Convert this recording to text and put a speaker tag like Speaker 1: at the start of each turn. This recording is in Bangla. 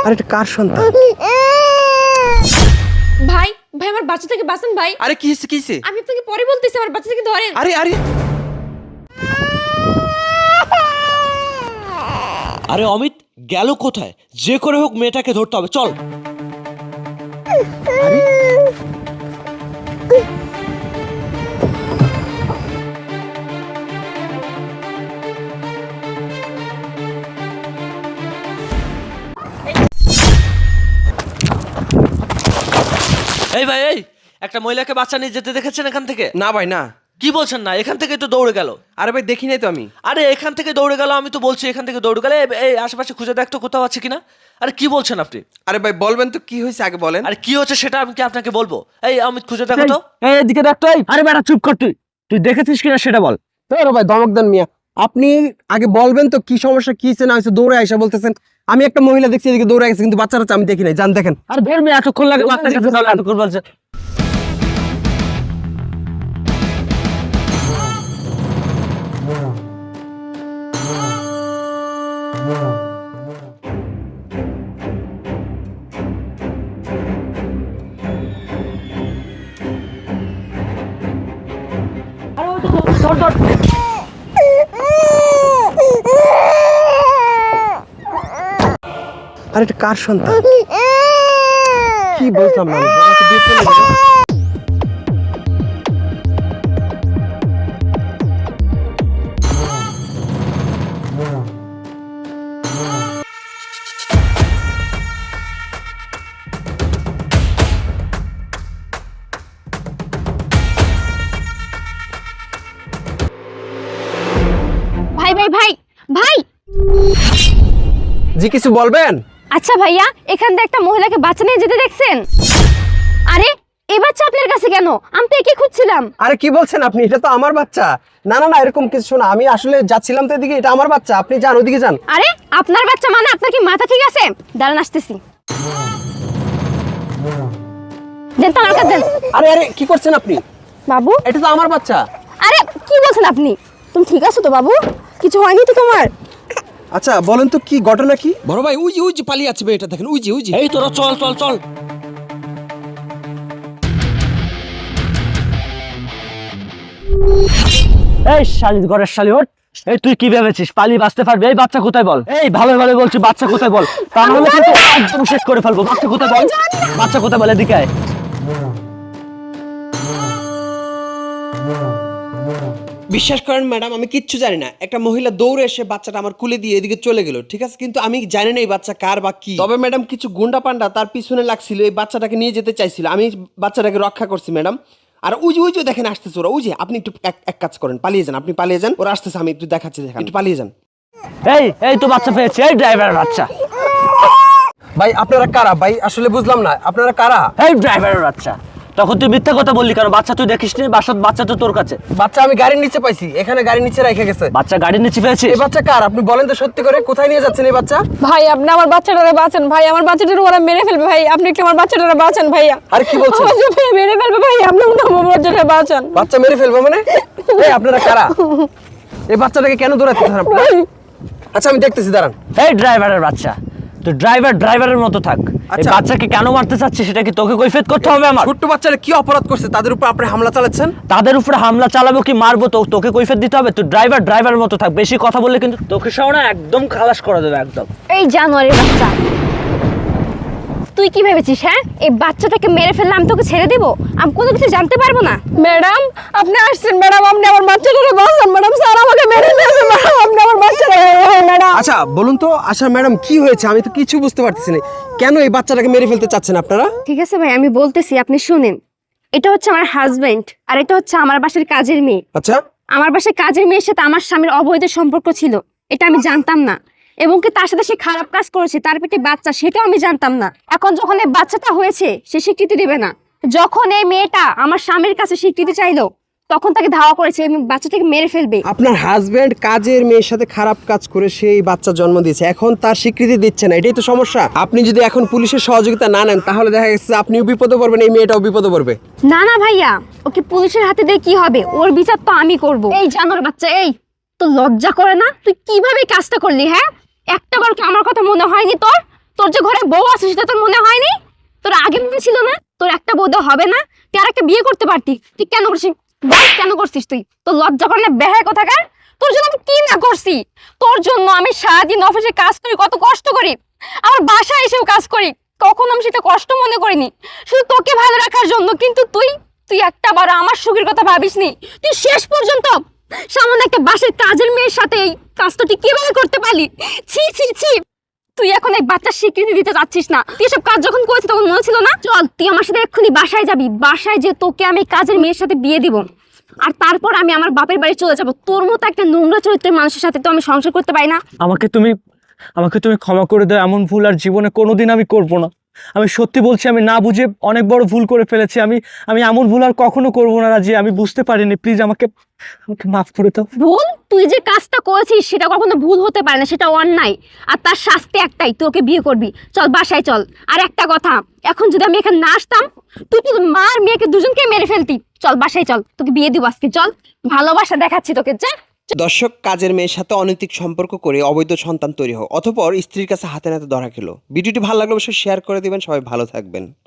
Speaker 1: আরে এটা কার সন্তান?
Speaker 2: ভাই ভাই আমার বাচ্চা থেকে বাঁচান ভাই।
Speaker 1: আরে কি হইছে কি হইছে?
Speaker 2: আমি আপনাকে পরে বলতেছি, আমার বাচ্চা থেকে ধরেন।
Speaker 1: আরে আরে
Speaker 3: আরে অমিত গেল কোথায়? যে করে হোক মেয়েটাকে ধরতে হবে, চল।
Speaker 1: আরে
Speaker 3: এই ভাই, এই একটা মহিলাকে বাচ্চা নিয়ে যেতে দেখেছেন এখান থেকে?
Speaker 1: না ভাই না।
Speaker 3: কি বলছেন না? এখান থেকে তো দৌড়ে গেল।
Speaker 1: আরে ভাই দেখি নাই তো আমি।
Speaker 3: আরে এখান থেকে দৌড়ে গেল, আমি তো বলছি এখান থেকে দৌড়ে গেলে। এই আশেপাশে খুঁজে দেখতো কোথাও আছে কিনা। আরে কি বলছেন আপনি?
Speaker 1: আরে ভাই বলবেন তো কি হয়েছে আগে বলেন।
Speaker 3: আরে কি হচ্ছে সেটা আমি কি আপনাকে বলবো? এই অমিত খুঁজে দেখো তো।
Speaker 4: এই এদিকে দেখ তো। আরে বেটা চুপ কর, তুই দেখেছিস কিনা সেটা বল।
Speaker 1: তোর ভাই ধমক দেন মিয়া। আপনি আগে বলবেন তো কি সমস্যা, কি হয়েছে না হয়েছে। দৌড়ে আইসা বলতেছেন আমি একটা মহিলা দেখছি এদিকে দৌড়ে গেছে, কিন্তু বাচ্চারা আমি দেখি নাই। জান দেখেন।
Speaker 4: আর ধর মেয়ে এতক্ষণ লাগে বাচ্চার কাছে যাওয়া, এতক্ষণ বলছে।
Speaker 1: আরে এটা কার সন্তান? কি বলতাম না আমি, আমাকে দিয়ে চলে গেল।
Speaker 2: ভাই ভাই ভাই ভাই
Speaker 1: জি কিছু বলবেন?
Speaker 2: আচ্ছা ভাইয়া, এখান থেকে একটা মহিলাকে বাচ্চা নিয়ে যেতে দেখছেন? আরে এই বাচ্চা আপনার কাছে কেন? আমি তো একে খুঁজছিলাম।
Speaker 1: আরে কি বলছেন আপনি? এটা তো আমার বাচ্চা। না না না, এরকম কিছু না। আমি আসলে যাচ্ছিলাম তো এদিকে, এটা আমার বাচ্চা। আপনি যান ওদিকে যান।
Speaker 2: আরে আপনার বাচ্চা মানে আপনার কি মাথা ঠিক আছে? দাঁড়ান আসতেছি। দেন তো আমার কাছে দেন।
Speaker 1: আরে আরে কি করছেন আপনি?
Speaker 2: বাবু
Speaker 1: এটা তো আমার বাচ্চা।
Speaker 2: আরে কি বলছেন আপনি? তুমি ঠিক আছো তো বাবু? কিছু হয়নি তো তোমার?
Speaker 1: আচ্ছা বলেন তো কি ঘটনা কি?
Speaker 5: বড় ভাই উই যে পালিয়ে আছে এটা দেখেন, উই যে
Speaker 3: এই তোরা চল চল চল।
Speaker 4: এই শালি ঘরের শালি ওঠ। এই তুই কি ভেবেছিস পালিয়ে বাঁচতে পারবি? এই বাচ্চা কোথায় বল? এই ভালো ভালো বলছি, বাচ্চা কোথায় বল? তা নাহলে কিন্তু একদম শেষ করে ফেলবো। বাচ্চা কোথায় বল? বাচ্চা কোথায় বল? এদিকে আয়।
Speaker 5: বিশ্বাস করেন ম্যাডাম, আমি কিচ্ছু জানি না। একটা মহিলা দৌড়ে এসে বাচ্চাটা আমার কুলে দিয়ে এদিকে চলে গেল, ঠিক আছে, কিন্তু আমি জানি না এই বাচ্চা কার বা কি। তবে ম্যাডাম কিছু গুন্ডা পান্ডা তার পিছনে লাগছিল, এই বাচ্চাটাকে নিয়ে যেতে চাইছিল। আমি বাচ্চাটাকে রক্ষা করছি ম্যাডাম। আর উই যে দেখেন আসতেছে ওরা। আপনি একটু এক কাজ করেন, পালিয়ে যান। আপনি পালিয়ে যান, ওরা আসতেছে, আমি একটু দেখাচ্ছি, দেখেন একটু পালিয়ে যান।
Speaker 4: এই তো বাচ্চা পেয়েছি। এই ড্রাইভারের বাচ্চা।
Speaker 1: ভাই আপনারা কারা ভাই? আসলে বুঝলাম না আপনারা কারা।
Speaker 4: এই ড্রাইভারের বাচ্চা। তখন তুই মিথ্যা কথা বললি কেন? বাচ্চা তুই দেখিস নি? বাচ্চা তো তোর কাছে।
Speaker 1: বাচ্চা আমি গাড়ির নিচে পাইছি, এখানে গাড়ির নিচে রেখে গেছে।
Speaker 4: বাচ্চা গাড়ির নিচে পেয়েছিস?
Speaker 1: এই বাচ্চা কার আপনি বলেন তো সত্যি করে, কোথায় নিয়ে যাচ্ছেন এই বাচ্চা?
Speaker 2: ভাই আপনি আমার বাচ্চাটারে বাঁচান ভাই, আমার বাচ্চাটারে ওরা মেরে ফেলবে ভাই, আপনি একটু আমার বাচ্চাটারে বাঁচান ভাইয়া।
Speaker 1: আরে কি বলছেন?
Speaker 2: আমার বাচ্চাটারে মেরে ফেলবে ভাই, আপনি আমার বাচ্চাটারে বাঁচান।
Speaker 1: বাচ্চা মেরে ফেলবো মানে? এই আপনারা কারা? এই বাচ্চাটাকে কেন দৌড়াচ্ছেন আপনারা? আচ্ছা আমি দেখতেছি, দাঁড়ান।
Speaker 4: এই ড্রাইভারের বাচ্চা, তুই ড্রাইভারের মতো থাক। এই
Speaker 1: আচ্ছা।
Speaker 4: বাচ্চাকে কেন মারতে চাচ্ছিস সেটা কি তোকে কৈফিয়ত করতে হবে আমার?
Speaker 1: ছোট্ট বাচ্চারা কি অপরাধ করছে তাদের উপর আপনি হামলা চালাচ্ছেন?
Speaker 4: তাদের উপরে হামলা চালাবো কি মারবো তো তোকে কৈফিয়ত দিতে হবে? তুই ড্রাইভারের মতো থাক। বেশি কথা বললে কিন্তু তোকে সহ না একদম খালাস করে দেবে একদম।
Speaker 2: এই জানোয়ারের বাচ্চা, তুই কি ভেবেছিস? হ্যাঁ, এই বাচ্চাটাকে মেরে ফেললে আমি তোকে ছেড়ে দিব? আমি কোনো কিছু জানতে পারবো না? ম্যাডাম আপনি আসছেন, ম্যাডাম আপনি আমার বাচ্চাটাকে বাঁচান। ম্যাডাম স্যার আমাকে মেরে ফেলবে, ম্যাডাম আপনি আমার বাচ্চাটাকে, ম্যাডাম।
Speaker 1: আচ্ছা বলুন তো, আচ্ছা ম্যাডাম কি হয়েছে? আমি তো কিছু বুঝতে পারতেছি না। কেন এই বাচ্চাটাকে মেরে ফেলতে চাচ্ছেন আপনারা?
Speaker 2: ঠিক আছে ভাই, আমি বলতেছি, আপনি শুনেন। এটা হচ্ছে আমার হাজবেন্ড, আর এটা হচ্ছে আমার বাসার কাজের মেয়ে।
Speaker 1: আচ্ছা
Speaker 2: আমার বাসায় কাজের মেয়ের সাথে আমার স্বামীর অবৈধ সম্পর্ক ছিল, এটা আমি জানতাম না। এবং কি তার সাথে সে খারাপ কাজ করেছে, তার পেটে বাচ্চা, সেটাও আমি জানতাম না। এখন যখন এই বাচ্চাটা হয়েছে সে স্বীকৃতি দেবে না। যখন এই মেয়েটা আমার স্বামীর কাছে স্বীকৃতি চাইলো তখন তাকে ধাওয়া করেছে এবং বাচ্চাটাকে মেরে ফেলবে।
Speaker 1: আপনার হাজবেন্ড কাজের মেয়ের সাথে খারাপ কাজ করে সেই বাচ্চা জন্ম দিয়েছে, এখন তার স্বীকৃতি দিচ্ছে না, এটাই তো সমস্যা। আপনি যদি এখন পুলিশের সহযোগিতা না নেন তাহলে দেখা গেছে আপনিও বিপদে পড়বেন, এই মেয়েটাও বিপদে পড়বে।
Speaker 2: না না ভাইয়া, ওকে পুলিশের হাতে দিয়ে কি হবে? ওর বিচার তো আমি করব। এই জানোর বাচ্চা, এই তো লজ্জা করে না? তুই কিভাবে কাজটা করলি? হ্যাঁ, একটা বার কি আমার কথা মনে হয়নি তোর? তোর যে ঘরে বউ আছে সেটা তোর মনে হয়নি? তোর আগে মনে ছিল না তোর একটা বউ দেওয়া হবে না? তুই আর একটা বিয়ে করতে পারতি, তুই কেন করছিস? বল কেন করছিস তুই? তোর লজ্জা করে না বেহায় কোথাকার? তোর জন্য আমি কি না করছি? তোর জন্য আমি সারাদিন অফিসে কাজ করি, কত কষ্ট করি, আমার বাসায় এসেও কাজ করি, কখনো আমি সেটা কষ্ট মনে করিনি, শুধু তোকে ভালো রাখার জন্য। কিন্তু তুই তুই একটা বার আমার সুখের কথা ভাবিসনি। তুই শেষ পর্যন্ত সামান্য একটা বাসার কাজের মেয়ের সাথে এই কাজটা তুই কিভাবে করতে পারলি? ছি ছি ছি। তুই এখন এই বাচ্চার স্বীকৃতি দিতে চাচ্ছিস না? তুই এসব কাজ যখন করেছিস তখন মনে ছিল না? চল তুই আমার সাথে এক্ষুনি বাসায় যাবি, বাসায় যে তোকে আমি কাজের মেয়ের সাথে বিয়ে দিব, আর তারপর আমি আমার বাপের বাড়ি চলে যাব। তোর মতো একটা নোংরা চরিত্রের মানুষের সাথে তো আমি সংসার করতে পারি না।
Speaker 4: আমাকে তুমি ক্ষমা করে দাও, এমন ভুল আর জীবনে কোনোদিন আমি করব না। আমি সত্যি বলছি, আমি না বুঝে অনেক বড় ভুল করে ফেলেছি। আমি এমন ভুল আর কখনো করব না রাজি, আমি বুঝতে পারিনি, প্লিজ আমাকে মাফ করে দাও।
Speaker 2: ভুল? তুই যে কাজটা করেছিস সেটা কখনো ভুল হতে পারে না, সেটা অন্যায়, আর তার শাস্তি একটাই, তোকে বিয়ে করবি। চল বাসায় চল। আর একটা কথা, এখন যদি আমি এখানে না আসতাম তুই তো মার মেয়েকে দুজনকে মেরে ফেলতি। চল বাসায় চল, তোকে বিয়ে দিব আজকে। চল, ভালোবাসা দেখাচ্ছি তোকে, যা।
Speaker 5: দর্শক, কাজের মেয়ের সাথে অনৈতিক সম্পর্ক করে অবৈধ সন্তান তৈরি হয়, অতঃপর স্ত্রীর কাছে হাতে নাতে ধরা খেলো। ভিডিওটি ভালো লাগলে অবশ্যই শেয়ার করে দিবেন। সবাই ভালো থাকবেন।